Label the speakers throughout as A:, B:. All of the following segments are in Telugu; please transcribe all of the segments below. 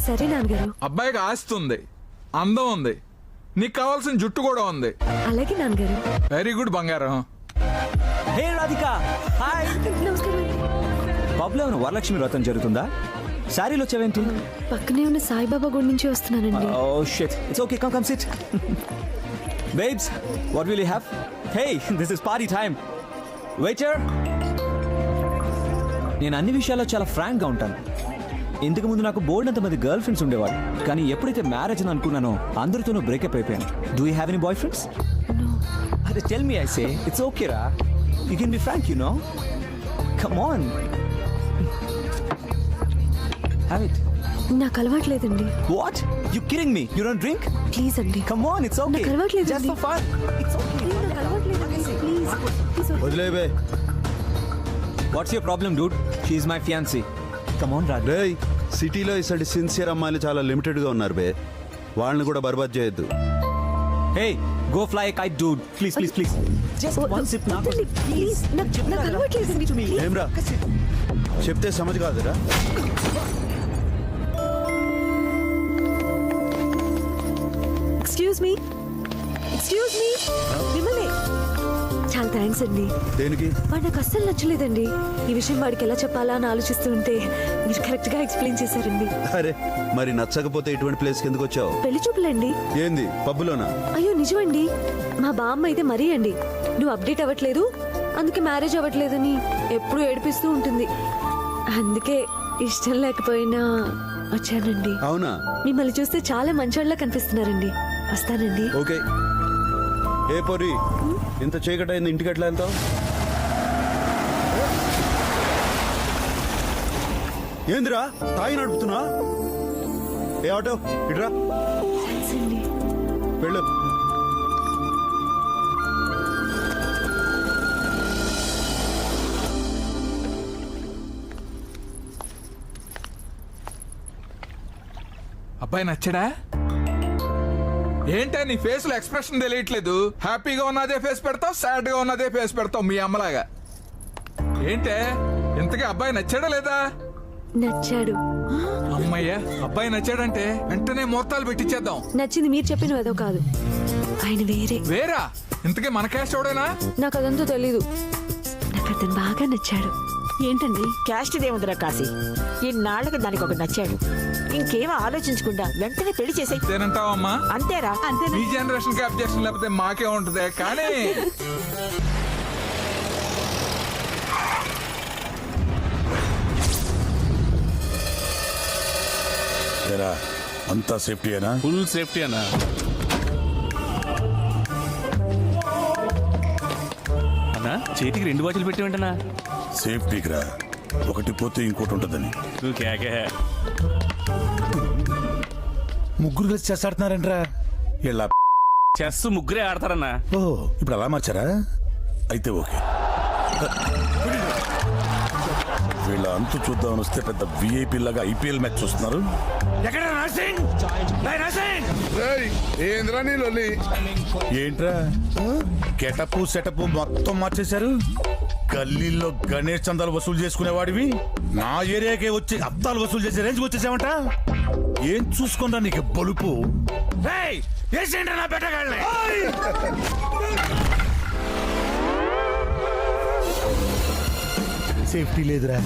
A: సరే నాన్నగారు.
B: అబ్బాయికి ఆస్తి ఉంది, అందం ఉంది, నీకు కావాల్సిన జుట్టు కూడా ఉంది.
A: అలాగే నాన్నగారు.
B: వెరీ గుడ్ బంగారం.
C: Hey Radhika, hi.
A: నమస్కారం.
C: పబ్లో ఏమైనా వరలక్ష్మి వ్రతం జరుగుతుందా? శారీలో వచ్చావేంటి?
A: పక్కనే ఉన్న సాయిబాబా గుడి నుంచి వస్తున్నానండి.
C: Oh shit, it's okay, come sit. Babes, what will you have? Hey, this is party time. Waiter. నేను అన్ని విషయాల్లో చాలా ఫ్రాంక్ గా ఉంటాను. ఇంతకు ముందు నాకు బోర్డు అంత మంది గర్ల్ ఫ్రెండ్స్ ఉండేవారు, కానీ ఎప్పుడైతే మ్యారేజ్ అని అనుకున్నానో అందరితోనూ బ్రేకప్ అయిపోయాను. Do you have any boy friends? అదే tell me, I say it's okay రా, you can be frank, you know. Come on, have it.
A: నాకు అలవాట్లేదండి.
C: What, you kidding me? You don't drink?
A: Please అండి.
C: Come on, it's okay.
A: నాకు అలవాట్లేదండి.
C: Just for fun, it's okay.
A: నాకు అలవాట్లేదండి. ప్లీజ్
D: వదిలేవే.
C: What's your problem dude? She is my fiancee. Come on Raj.
D: రేయ్, సిటీలో ఇసటి సిన్సియర్ అమ్మాయిలు చాలా లిమిటెడ్ గా ఉన్నారు బే. వాళ్ళని కూడా బర్బాద్ చేయొద్దు.
C: Hey, go fly a kite, dude. Please, please, please. Just one sip now.
A: Please నాకు అలవాట్లేదండి.
D: ఏమ్రా, చెప్తే సమజ్ కాదురా.
A: ఎక్స్క్యూజ్ మీ, మిమ్మల్ని. చాలా థ్యాంక్స్ అండి.
D: దేనికి?
A: వాడు నాకు అస్సలు నచ్చలేదండి. ఈ విషయం వాడికి ఎలా చెప్పాలా అని ఆలోచిస్తూ ఉంటే మీరు కరెక్ట్ గా ఎక్స్ప్లెయిన్ చేశారండి.
D: అరే, మరి నచ్చకపోతే ఇటువంటి ప్లేస్ కిందకు వచ్చావు?
A: పెళ్లి చూపులండి.
D: ఏంది, పబ్బులోనా?
A: అయ్యో నిజమండి. మా బామ్మ అయితే మరీ అండి, నువ్వు అప్డేట్ అవ్వట్లేదు, అందుకే మ్యారేజ్ అవ్వట్లేదని ఎప్పుడు ఏడిపిస్తూ ఉంటుంది. అందుకే ఇష్టం లేకపోయినా వచ్చానండి.
D: అవునా?
A: మిమ్మల్ని చూస్తే చాలా మంచోళ్ళ కనిపిస్తున్నారండి. వస్తానండి.
D: ఓకే. ఏ పొరి, ఇంత చీకటి అయింది, ఇంటికి ఎట్లా వెళ్తావు? ఏందిరా తాయి నడుపుతున్నా? ఏ ఆటో ఇట్రా,
A: థాంక్స్ అండి.
D: వెళ్ళు.
B: అబ్బాయి నచ్చడా? ఏంటా నీ ఫేస్ లో ఎక్స్ప్రెషన్ తెలియట్లేదు? హ్యాపీగా ఉన్నదే ఫేస్ పెడతావు, సాడ్ గా ఉన్నదే ఫేస్ పెడతావు మీ అమ్మలాగా. ఏంటే, ఇంతకీ అబ్బాయి నచ్చాడా లేదా?
A: నచ్చాడు.
B: అమ్మయ్య, అబ్బాయి నచ్చాడంటే వెంటనే ముహూర్తాలు పెట్టించేద్దాం.
A: నచ్చింది మీరు చెప్పిన ఏదో కాదు, ఆయన వేరే.
B: వేరా? ఇంతకీ మన క్యాస్ట్ ఎవడేనా?
A: నాకు అదంతా తెలీదు. నాకు అతను బాగా నచ్చాడు.
E: ఏంటండి క్యాస్ట్ ఇదేముందిరా కాశీ, ఇన్నాళ్ళకి దానికి ఒక నచ్చాడు, ఇంకేం ఆలోచించకుండా వెంటనే పెళ్లి చేసే.
B: అంతేనంటావమ్మా?
E: అంతేరా.
B: ఈ జనరేషన్ కి అబ్జెక్షన్ లేకపోతే మాకే ఉంటది. కానీ
F: అంతా సేఫ్టీ అయినా?
G: ఫుల్ సేఫ్టీ అన్నా. అన్నా చేతికి 2 వాచ్లు పెట్టి వెంటనా?
F: సేఫ్టీకి రా, ఒకటి పోతే ఇంకోటి ఉంటుందని.
G: నువ్వు కేకే.
F: ముగ్గురు కలిసి చెస్ ఆడుతున్నారంట్రా. ఇలా
G: చెస్ ముగ్గురే ఆడతారన్నా.
F: ఓ, ఇప్పుడు అలా మార్చారా? అయితే ఓకే. వీళ్ళ అంతు చూద్దామని వస్తే పెద్ద విఐపీ లాగా ఐపీఎల్ మ్యాచ్ చూస్తున్నారు. ఏంట్రా గెటప్ సెటప్ మొత్తం మార్చేశారు? గల్లీల్లో గణేష్ చందాలు వసూలు చేసుకునేవాడివి నా ఏరియాకే వచ్చి అద్దాలు వసూలు చేసే రేంజ్ వచ్చేసావంట. ఏం చూసుకుంటా నీకు బలుపు? నా బెట్టగాళ్ళే సేఫ్టీ లేదురా.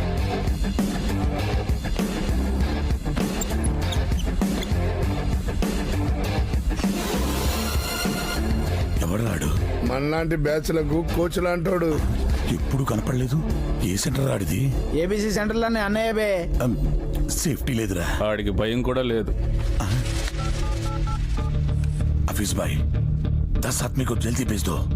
F: ఎవడాడు?
H: మనలాంటి బ్యాచ్లకు కోచ్ లాంటోడు.
F: ఎప్పుడు కనపడలేదు. ఏ సెంటర్ ఆడిది?
H: ఏబిసి సెంటర్ లోనే అన్నయ్య బే.
F: సేఫ్టీ లేదురా.
G: వాడికి భయం కూడా లేదు.
F: हफीज भाई 10 आदमी को जल्दी भेज दो.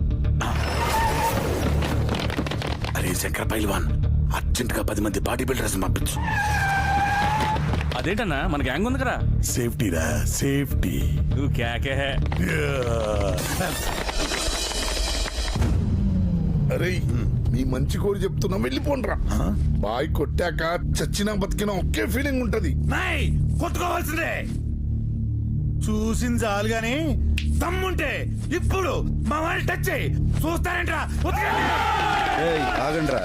F: अरे శంకర్ పైల్వాన్, అర్జెంట్ గా 10 మంది బాడీ బిల్డర్స్ పంపించు.
G: అదేంటన్నా మన గ్యాంగ్ ఉంది కదా.
F: సేఫ్టీ రా, సేఫ్టీ.
G: నువ్వు కేకే.
H: అరే మీ మంచి కోరి చెప్తున్నా, వెళ్ళిపోండ్రా. బాయ్ కొట్టాక చచ్చినా బతికినా ఒకే ఫీలింగ్ ఉంటది.
F: కొట్టుకోవాల్సిందే. చూసింది చాలు గాని దమ్ముంటే ఇప్పుడు మా వాళ్ళు టచ్ చేయి. చూస్తారేంట్రా?
D: ఆగండ్రా.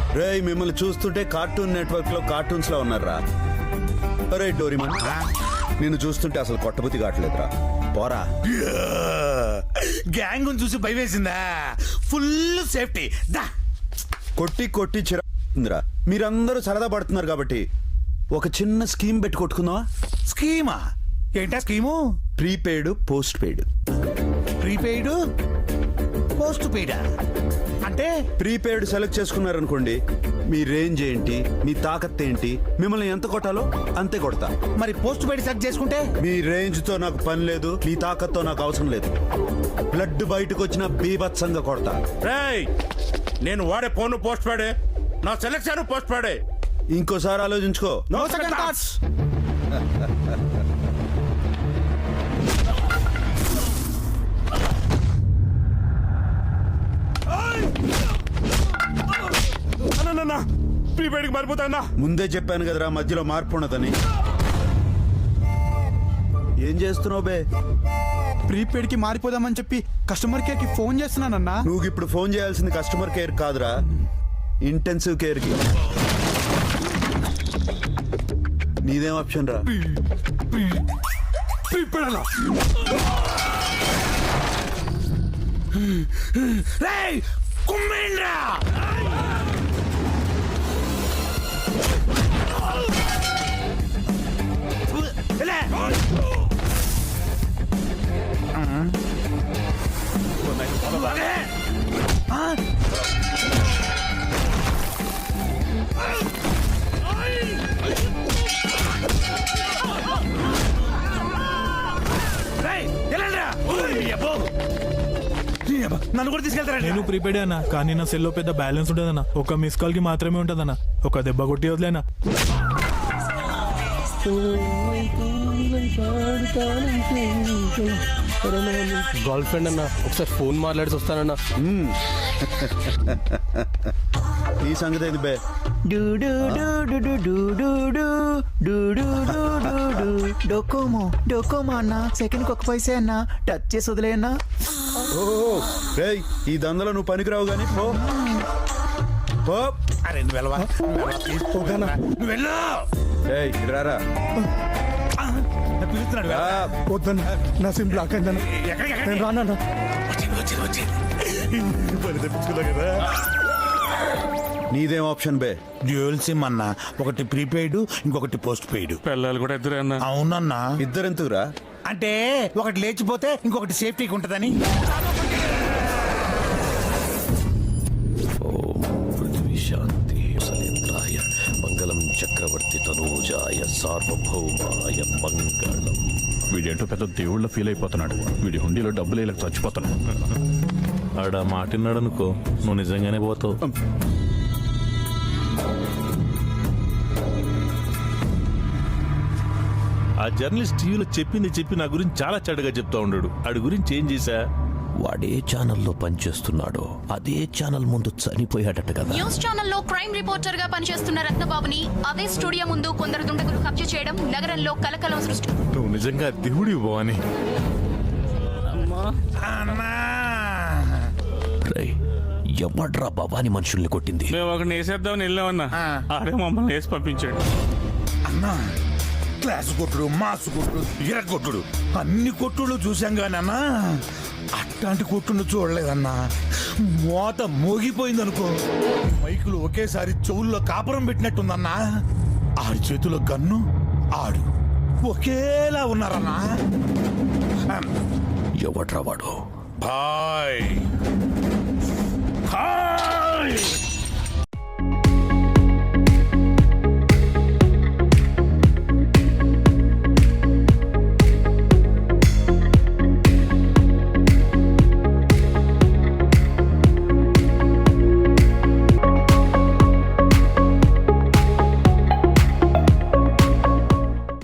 D: రేయ్ మిమ్మల్ని చూస్తుంటే కార్టూన్ నెట్వర్క్ లో కార్టూన్స్ లో ఉన్నారా? అరే డోరిమన్, నిన్ను చూస్తుంటే అసలు కొట్టబుద్ధి కావట్లేదురా. పోరా.
F: గ్యాంగ్ చూసి భయం వేసిందా? ఫుల్ సేఫ్టీ దా.
D: కొట్టి కొట్టి చిరా. మీరందరూ సరదా పడుతున్నారు కాబట్టి ఒక చిన్న స్కీమ్ పెట్టి కొట్టుకుందామా?
F: స్కీమా? ఏంటా scheme?
D: Prepaid post paid.
F: Prepaid post పెయిడా అంటే?
D: ప్రీపెయిడ్ సెలెక్ట్ చేసుకున్నారనుకోండి, మీ రేంజ్ ఏంటి, మీ తాకత్ ఏంటి, మిమ్మల్ని ఎంత కొట్టాలో అంతే కొడతా.
F: మరి పోస్ట్ పెయిడ్ సెలెక్ట్ చేసుకుంటే?
D: మీ రేంజ్ తో నాకు పని లేదు, మీ తాకత్తో నాకు అవసరం లేదు. బ్లడ్ బయటకు వచ్చిన బీభత్సంగా కొడతా.
F: నేను వాడే ఫోన్ పోస్ట్ పెయిడే, నా సెలెక్షన్ పోస్ట్ పెయిడే.
D: ఇంకోసారి ఆలోచించుకో.
F: No second thoughts. ప్రీపెయిడ్కి మారిపోతా.
D: ముందే చెప్పాను కదరా మధ్యలో మార్పు ఉండదని. ఏం చేస్తున్నావు బే?
I: ప్రీపెయిడ్ కి మారిపోదామని చెప్పి కస్టమర్ కేర్ కి ఫోన్ చేస్తున్నానన్నా.
D: నువ్వు ఇప్పుడు ఫోన్ చేయాల్సింది కస్టమర్ కేర్ కాదురా, ఇంటెన్సివ్ కేర్ కి. నీదేం ఆప్షన్ రా?
F: ప్రీపెయిడ్ అలా. రేయ్ కుమ్మేండ్రా. నన్ను కూడా తీసుకెళ్తారా?
I: నేను ప్రీపెయిడ్ అన్నా, కానీ నా సెల్లో పెద్ద బ్యాలెన్స్ ఉండదన్నా. ఒక మిస్ కాల్ కి మాత్రమే ఉంటదన్నా. ఒక దెబ్బ కొట్టి వదిలేనా.
J: గర్ల్ ఫ్రెండ్ అన్న, ఒకసారి ఫోన్ మాట్లాడి వస్తానన్నా.
D: ఈ సంగతి ఏంది బే?
I: డోకోమో అన్న, సెకండ్ కి 1 పైసే అన్న. టచ్ చేసి వదిలేయన్నా.
D: రేయ్ ఈ దందలో నువ్వు పనికిరావు గానీ పో. పో.
F: అరే నువ్వు వెళ్ళవా? నువ్వు వెళ్ళు.
D: రేయ్ రారా.
F: పిలుస్తున్నాడు.
I: వద్దన్న, నా సిమ్ బ్లాక్ అయిందన్న. నేను రానన్నా.
F: కదా.
D: నీదేం ఆప్షన్ బే?
F: డ్యూయల్ సిమ్ అన్న, ఒకటి ప్రీపెయిడ్, ఇంకొకటి పోస్ట్ పెయిడ్.
G: పిల్లలు కూడా ఇద్దరే అన్న.
F: అవునన్నా.
D: ఇద్దరెందుకురా?
F: అంటే ఒకటి లేచిపోతే ఇంకొకటి సేఫ్టీకి ఉంటదని.
J: శాంతి సలేంద్రాయ మంగళం చక్రవర్తి తనూజాయ సార్వభౌమాయ మంగళం.
G: వీడేంటో పెద్ద దేవుళ్ళ ఫీల్ అయిపోతున్నాడు. వీడి హుండీలో డబ్బులు వేయలేక చచ్చిపోతున్నాడు.
J: ఆడ మాటిన్నాడు అనుకో, నువ్వు నిజంగానే పోతావు.
K: ఆ జర్నలిస్ట్ టీవీలో చెప్పి నా గురించి చాలా చెడ్డగా చెప్తా ఉన్నాడు. ఆడి గురించి ఏం చేశా?
J: వాడే ఛానల్లో పనిచేస్తున్నాడో అదే ఛానల్ ముందు చనిపోయాడట కదా.
L: న్యూస్ ఛానల్లో క్రైమ్ రిపోర్టర్ గా పనిచేస్తున్న రత్నబాబుని అదే స్టూడియో ముందు కొందరు దుండగులు కబ్జా చేయడం నగరంలో కలకలం సృష్టి.
K: నువ్వు నిజంగా దేవుడి భవాని.
J: ఎవడ్రా భవాని మనుషుల్ని కొట్టింది?
G: మేము ఒకటి వేసేద్దామని వెళ్ళామన్నా, ఆడే మమ్మల్ని వేసి పంపించాడు.
F: అన్నా క్లాస్ కొట్టుడు, మాసు కొట్టుడు, ఇర కొట్టుడు, అన్ని కొట్టుడు చూసాం కానీ అన్నా అట్లాంటి కొట్టుడు చూడలేదన్నా. మోత మోగిపోయింది అనుకో, మైకులు ఒకేసారి చెవుల్లో కాపురం పెట్టినట్టుందన్నా. ఆడి చేతిలో గన్ను, ఆడు ఒకేలా ఉన్నారన్నా.
J: ఎవడ్రా వాడు?
F: బాయ్